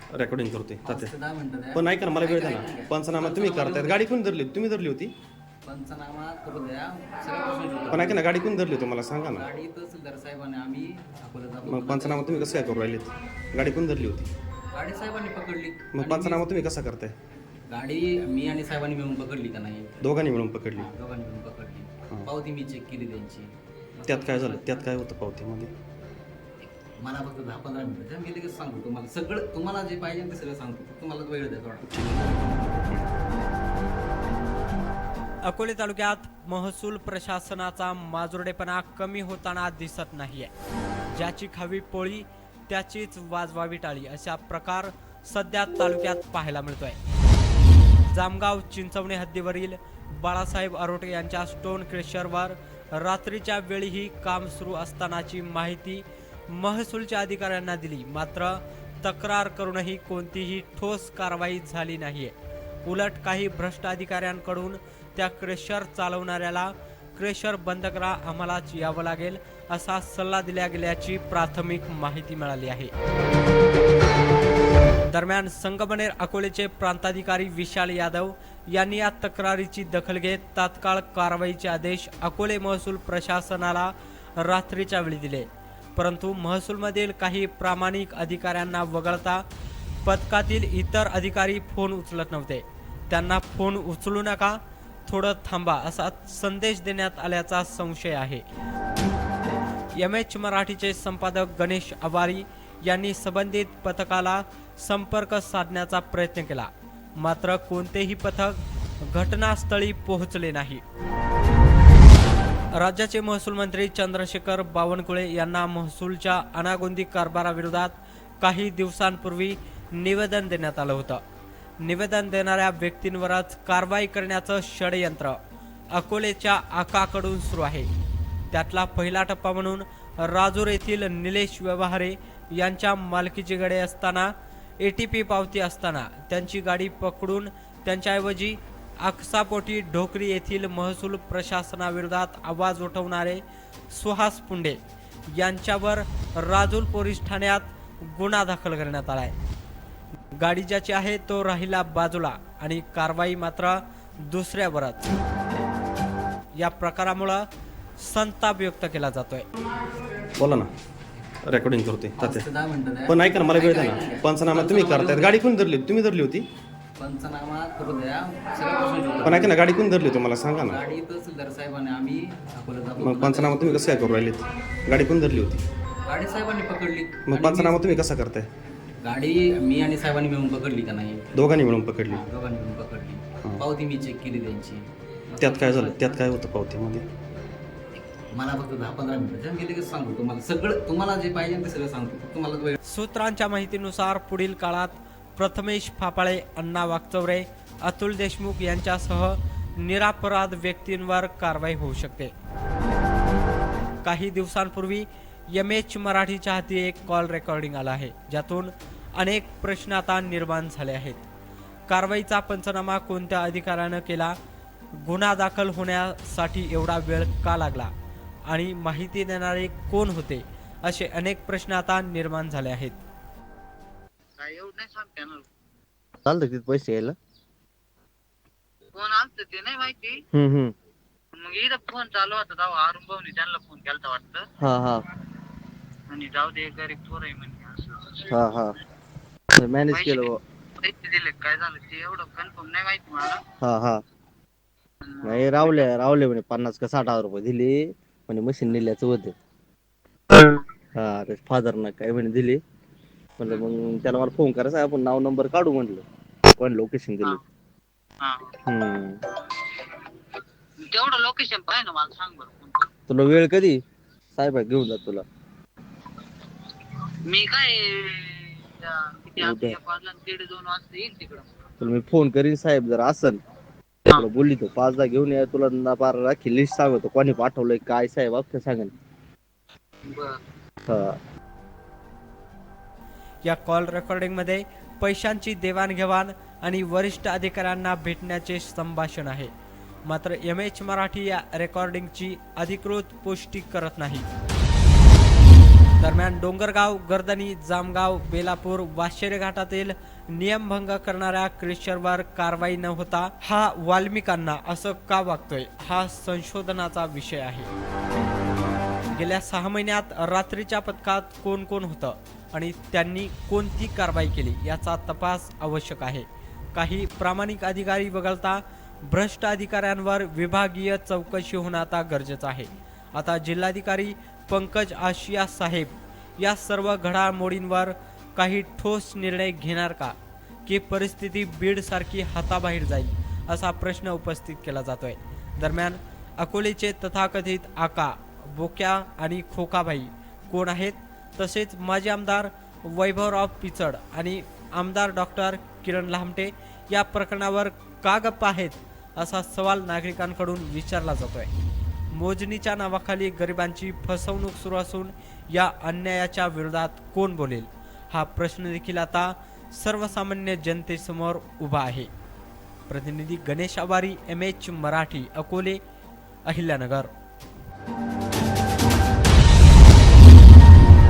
Recording करतोय तात्या. 10 मिनिटं द्या. पण ऐका ना, मला वेळ द्या ना. पंचनामा तुम्ही करतायत, गाडी कोण धरली? तुम्ही धरली होती? पंचनामा करू द्या. सगळ्या प्रश्नाची उत्तरं पण ऐका ना, गाडी कोण धरली होती मला सांगा ना. गाडी तहसीलदार साहेबांनी आम्ही अकोल्याचा मग पंचनामा तुम्ही कसं काय करू राहिलेत? गाडी कोण धरली होती? गाडी साहेबांनी पकडली. मग पंचनामा तुम्ही कसा करताय? गाडी मी आणि साहेबांनी मिळून पकडली का नाही? दोघांनी मिळून पकडली. दोघांनी मिळून पकडली. पावती मी चेक केली त्यांची. त्यात काय झालं? त्यात काय होतं पावतीमध्ये? मला फक्त 10-15 मिनिटं द्या. मी लगेच सांगतो तुम्हाला सगळं. तुम्हाला जे पाहिजे ते सगळं सांगतो. तुम्हाला वेळ द्या थोडा. अकोले तालुक्यात महसूल प्रशासनाचा माजुरडेपणा कमी होताना दिसत नाहीये. ज्याची खावी पोळी त्याचीच वाजवावी टाळी अशा प्रकार सध्या तालुक्यात पाहायला मिळतोय. जामगाव चिंचवणे हद्दीवरील बाळासाहेब आरोटे यांच्या स्टोन क्रेशरवर रात्रीच्या वेळीही काम सुरू असतानाची माहिती महसूलच्या अधिकाऱ्यांना दिली, मात्र तक्रार करूनही कोणतीही ठोस कारवाई झाली नाहीये. उलट काही भ्रष्ट अधिकाऱ्यांकडून त्या क्रेशर चालवणाऱ्याला क्रेशर बंद करा, आम्हालाच यावं लागेल असा सल्ला दिला गेल्याची प्राथमिक माहिती मिळाली आहे. दरम्यान संगमनेर अकोलेचे प्रांताधिकारी विशाल यादव यांनी या तक्रारीची दखल घेत तात्काळ कारवाईचे आदेश अकोले महसूल प्रशासनाला रात्रीच्या वेळी दिले. परंतु महसूलमधील काही प्रामाणिक अधिकाऱ्यांना वगळता पथकातील इतर अधिकारी फोन उचलत नव्हते. त्यांना फोन उचलू नका, थोडं थांबा असा संदेश देण्यात आल्याचा संशय आहे. MH मराठीचे संपादक गणेश आवारी यांनी संबंधित पथकाला संपर्क साधण्याचा प्रयत्न केला, मात्र कोणतेही पथक घटनास्थळी पोहोचले नाही. राज्याचे महसूल मंत्री चंद्रशेखर बावनकुळे यांना महसूलच्या अनागोंदी कारभाराविरोधात काही दिवसांपूर्वी निवेदन देण्यात आलं होतं. निवेदन देणाऱ्या व्यक्तींवरच कारवाई करण्याचं षडयंत्र अकोलेच्या आकाकडून सुरू आहे. त्यातला पहिला टप्पा म्हणून राजूर येथील निलेश व्यवहारे यांच्या मालकीची गाडी असताना ATP पावती असताना त्यांची गाडी पकडून त्यांच्याऐवजी आकसापोटी ढोकरी येथील महसूल प्रशासनाविरोधात आवाज उठवणारे सुहास पुंडे यांच्यावर राजूर पोलीस ठाण्यात गुन्हा दाखल करण्यात आलाय. गाडी ज्याची आहे तो राहिला बाजूला आणि कारवाई मात्र दुसऱ्यावरच. या प्रकारामुळे संताप व्यक्त केला जातोय. बोला ना, रेकॉर्डिंग करतोय तात्या. 10 मिनिटं द्या. पण ऐका ना, मला वेळ द्या ना. पंचनामा तुम्ही करतायत, गाडी कोण धरली? तुम्ही धरली होती? पंचनामा करू द्या. सगळ्या प्रश्नाची उत्तरं पण ऐका ना, गाडी कोण धरली होती मला सांगा ना. गाडी तहसीलदार साहेबांनी आम्ही अकोल्याचा मग पंचनामा तुम्ही कसं काय करू राहिलेत? गाडी कोण धरली होती? गाडी साहेबांनी पकडली. मग पंचनामा तुम्ही कसा करताय? गाडी मी आणि साहेबांनी मिळून पकडली का नाही? दोघांनी मिळून पकडली. दोघांनी मिळून पकडली. पावती मी चेक केली त्यांची. त्यात काय झालं? त्यात काय होतं पावतीमध्ये? मला फक्त 10-15 मिनिटं द्या. मी लगेच सांगतो तुम्हाला सगळं. तुम्हाला जे पाहिजे ते सगळं सांगतो. तुम्हाला वेळ. सूत्रांच्या माहितीनुसार पुढील काळात प्रथमेश फापाळे, अण्णा वागचौरे, अतुल देशमुख यांच्यासह निरपराध व्यक्तींवर कारवाई होऊ शकते. काही दिवसांपूर्वी MH मराठीच्या हाती एक कॉल रेकॉर्डिंग आला आहे, ज्यातून अनेक प्रश्न आता निर्माण झाले आहेत. कारवाईचा पंचनामा कोणत्या अधिकाऱ्यानं केला? गुन्हा दाखल होण्यासाठी एवढा वेळ का लागला? आणि माहिती देणारे कोण होते? असे अनेक प्रश्न आता निर्माण झाले आहेत. चालतं तिथे पैसे यायला. फोन आलत ते नाही माहिती. हम्म. मग इथं फोन चालू होता तेव्हा अरुण भाऊनी त्यांना फोन केलता वाटतं. हा. आणि जाऊ दे गरीब पोर आहे म्हणजे हा. मॅनेज केलं बुवा. पैसे दिले काय झालं ते एवढं कन्फर्म नाही माहिती मला. हा. नाही रावले म्हणे 50 का 60 हजार रुपये दिले म्हणे मशीन नेल्याचं होते. हा, ते फादरनं काय म्हणे दिले. म्हणलं मग त्याला मला फोन करायचा, आपण नाव नंबर काढू म्हणलं, पण लोकेशन दिलं. तेवढं लोकेशन पाहिजे ना मला सांग बरं. तुला वेळ कधी? साहेब घेऊन जात तुला. मी काय किती आता 1 वाजला 1:30-2 वाजता येईल तिकडं. तुला मी फोन करीन, साहेब जर असन तुला बोलली तो 5दा घेऊन या. तुला ना पार राखी लिस्ट सांगतो कोणी पाठवलंय काय, साहेब अख्खं सांगेन. हा. या कॉल रेकॉर्डिंगमध्ये पैशांची देवाणघेवाण आणि वरिष्ठ अधिकाऱ्यांना भेटण्याचे संभाषण आहे. मात्र MH मराठी या रेकॉर्डिंगची अधिकृत पुष्टी करत नाही. दरम्यान डोंगरगाव, गर्दनी, जामगाव, बेलापूर, वाशेरे घाटातील नियमभंग करणाऱ्या क्रेशरवर कारवाई न होता हा वाल्मिकांना असं का वागतोय हा संशोधनाचा विषय आहे. गेल्या 6 महिन्यात रात्रीच्या पथकात कोण कोण होतं आणि त्यांनी कोणती कारवाई केली याचा तपास आवश्यक आहे. काही प्रामाणिक अधिकारी वगळता भ्रष्ट अधिकाऱ्यांवर विभागीय चौकशी होणं आता गरजेचं आहे. आता जिल्हाधिकारी पंकज आशिया साहेब या सर्व घडामोडींवर काही ठोस निर्णय घेणार का, की परिस्थिती बीडसारखी हाताबाहेर जाईल असा प्रश्न उपस्थित केला जातोय. दरम्यान अकोलेचे तथाकथित आका, बोक्या आणि खोकाभाई कोण आहेत, तसेच माजी आमदार वैभवराव पिचड आणि आमदार डॉक्टर किरण लामटे या प्रकरणावर का गप्प आहेत असा सवाल नागरिकांकडून विचारला जातोय. मोजणीच्या नावाखाली गरिबांची फसवणूक सुरू असून या अन्यायाच्या विरोधात कोण बोलेल हा प्रश्न देखील आता सर्वसामान्य जनतेसमोर उभा आहे. प्रतिनिधी गणेश आवारी, MH मराठी, अकोले, अहिल्यानगर.